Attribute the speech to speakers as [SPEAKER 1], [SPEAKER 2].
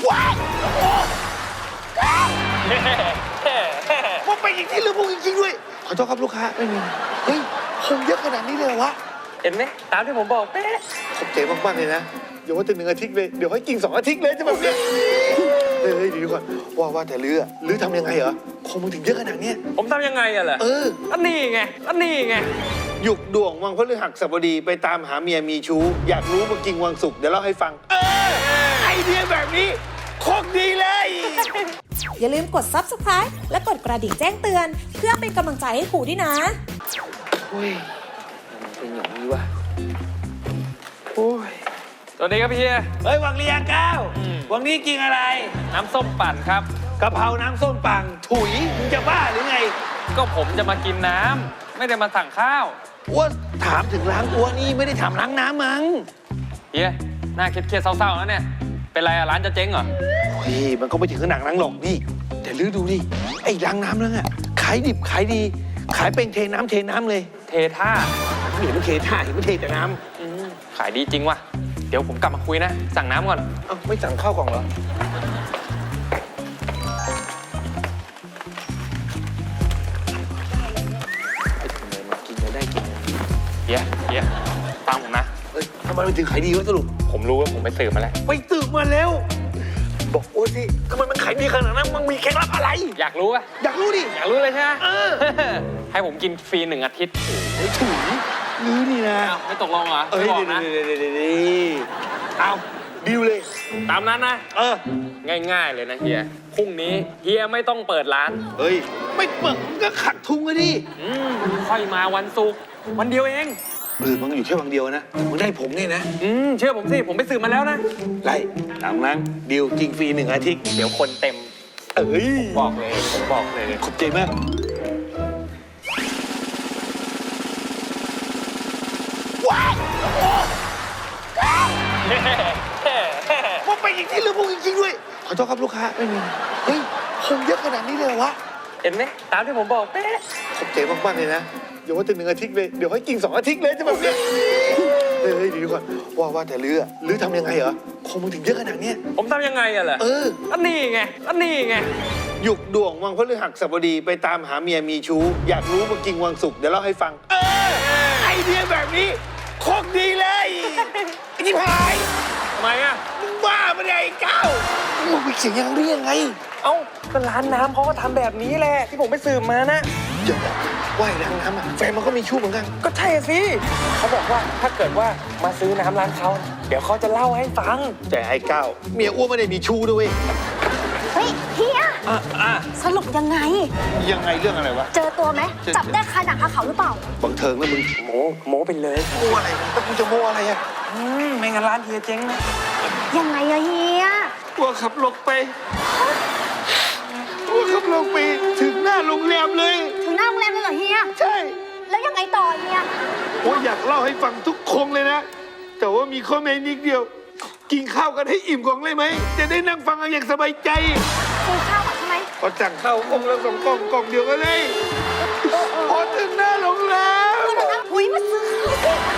[SPEAKER 1] ว้ายพวกไปจริงๆหรือพวกจริงๆด้วยขอโทษครับลูกค้าไม่มีเฮ้ยคงเยอะขนาดนี้เลยวะ
[SPEAKER 2] เห็นไหมตามที่ผมบอกเป๊ะ
[SPEAKER 1] ขอบใจมากๆเลยนะอย่าว่าแต่1 อาทิตย์เลยเดี๋ยวให้กิน2 อาทิตย์เลยจะแบบเนี้ยเฮ้ยเดี๋ยวก่อนว่าแต่ลือทำยังไงเหรอคงมึงถึงเยอะขนาดเนี้ย
[SPEAKER 2] ผมทำยังไงอะล่ะอันนี้ไง
[SPEAKER 1] หยุกดวงวังพฤหัสบดีไปตามหาเมียมีชู้อยากรู้มากินวังสุกเดี๋ยวเล่าให้ฟังไอเดียแบบนี้โคตรดีเลย
[SPEAKER 3] อย่าลืมกด Subscribe และกดกระดิ่งแจ้งเตือน เพื่อเป็นกำลังใจให้ครูด้วยนะ
[SPEAKER 1] โอ้ยมันเป็นอย่างนี้วะโอ้ย
[SPEAKER 2] สวัสดีครับพี่
[SPEAKER 1] เฮ้ยวังเรียงก้าววังนี้กินอะไร
[SPEAKER 2] น้ำส้มปั่นครับ
[SPEAKER 1] กะเพราน้ำส้มปังถุยมึงจะบ้าหรือไง
[SPEAKER 2] ก็ผมจะมากินน้ำไม่ได้มาสั่งข้าว
[SPEAKER 1] อ้วนถามถึงล้างอ้วนนี่ไม่ได้ถามล้างน้ำมั้ง
[SPEAKER 2] เฮียหน้าเครียดๆเศร้าๆแล้วเนี่ยเป็นไรอะร้านจะเจ๊งเหรอ
[SPEAKER 1] โอ้ยมันก็ไม่ถึงขนาดนั้นหรอกนี่แต่ลือดูดิไอ้ล้างน้ำนั่นอะขายดิบขายดีขายเป็นเทน้ำเลย
[SPEAKER 2] เทท่า
[SPEAKER 1] เห็นมันเทท่าเห็นมันเทแต่น้ำ
[SPEAKER 2] ขายดีจริงว่ะเดี๋ยวผมกลับมาคุยนะสั่งน้ำก่อน
[SPEAKER 1] เอ้าไม่สั่งข้าวกล่องเหรอ
[SPEAKER 2] เฮียฟังผมนะ
[SPEAKER 1] ทำไมมันถึงขายดีวะสรุป
[SPEAKER 2] ผมรู้ว่าผมไปสืบมาแล้ว
[SPEAKER 1] ไปสืบมาแล้วบอกโอ้สิทำไมมันขายดีขนาดนั้นมันมีเคล็ดลับอะไร
[SPEAKER 2] อยากรู้ปะ
[SPEAKER 1] อยากรู้ดิ
[SPEAKER 2] อยากรู้เลยใช่ไหมให้ผมกินฟรี1 อาทิตย์
[SPEAKER 1] โอ้ยถุยรู้นี่นะ
[SPEAKER 2] ไม่ตกลงเหรอไม่บอกนะ
[SPEAKER 1] เอาดิวเลย
[SPEAKER 2] ตามนั้นนะง่ายๆเลยนะเฮียพรุ่งนี้เฮียไม่ต้องเปิดร้าน
[SPEAKER 1] เฮ้ยไม่เปิดมันก็ขัดทุงเลยดิ
[SPEAKER 2] ค่อยมาวันศุกร์วันเดียวเอง
[SPEAKER 1] มันอยู่แค่วันเดียวนะมันได้ผมเนี่ยนะ
[SPEAKER 2] เชื่อผมสิผมไปสืบมาแล้วนะ
[SPEAKER 1] ไรตามนั้นดิวจริงฟรี1 อาทิตย์
[SPEAKER 2] เดี๋ยวคนเต็มผมบอกเลย
[SPEAKER 1] ขอบใจมากว้าวพวกไปจริงๆหรือพวกจริงๆด้วยขอโทษครับลูกค้าไม่มีเฮ้ยคงเยอะขนาดนี้เลยวะ
[SPEAKER 2] เห็นไหมตามที่ผมบอกเป๊ะ
[SPEAKER 1] ขอบใจมากๆเลยนะอย่าว่าแต่1 อาทิตย์เลยเดี๋ยวให้กิน2 อาทิตย์เลยจะแบบเนี้ยเฮ้ยเดี๋ยวก่อนว่าแต่ลือทำยังไงเหรอคงมึงถึงเยอะขนาดเนี้ย
[SPEAKER 2] ผมทำยังไงอะล่ะอันนี้ไง
[SPEAKER 1] หยุกดวงวังพฤหัสบดีไปตามหาเมียมีชู้อยากรู้มากินวังสุกเดี๋ยวเล่าให้ฟังไอเดียแบบนี้โคตรดีเลยไอ้ที่พาย
[SPEAKER 2] ทำไมอะ
[SPEAKER 1] มึงบ้าปะเนี่ยไอ้ก้าวมึงไปเสียงยังเรียงไง
[SPEAKER 2] ก็ร้านน้ำเขาก็ทำแบบนี้แหละที่ผมไปสืบมานะ
[SPEAKER 1] อย่าบอกว่าร้านน้ำแฟนมันก็มีชู้เหมือนกัน
[SPEAKER 2] ก็ใช่สิเขาบอกว่าถ้าเกิดว่ามาซื้อน้ำร้านเขาเดี๋ยวเขาจะเล่าให้ฟัง
[SPEAKER 1] แต่ไอ้ก้าวเมียอ้วนไม่ได้มีชู้ด้วย
[SPEAKER 4] เฮ้ยเฮียสรุปยังไง
[SPEAKER 1] เรื่องอะไรวะ
[SPEAKER 4] เจอตัวไหมจับได้คาหนังคาเขาหรือเปล่า
[SPEAKER 1] บังเทิงแล้วมึง
[SPEAKER 2] โมไปเลย
[SPEAKER 1] โมอะไรแล้วกูจะโมอะไรอะ
[SPEAKER 2] ไม่งั้นร้านเฮียเจ๊งนะ
[SPEAKER 4] ยังไงอะเฮีย
[SPEAKER 1] ว่าขับรถไปถึงหน้าโรงแรมเลย
[SPEAKER 4] ถึงหน้าโรงแรมเลยเหรอเฮีย
[SPEAKER 1] ใช่
[SPEAKER 4] แล้วยังไงต่อเฮีย
[SPEAKER 1] อยากเล่าให้ฟังทุกคงเลยนะแต่ว่ามีข้อแม้นิดเดียวกินข้าวกันให้อิ่มก่อนเลยไหมจะได้นั่งฟังกันอย่างสบายใจ
[SPEAKER 4] กินข้าวใช่ไหม
[SPEAKER 1] ก็สั่งข้าวกล่องละ2 กล่องเดียวกันเลยพอถึงหน้าโรงแรม
[SPEAKER 4] อุ้ยมาซื้อ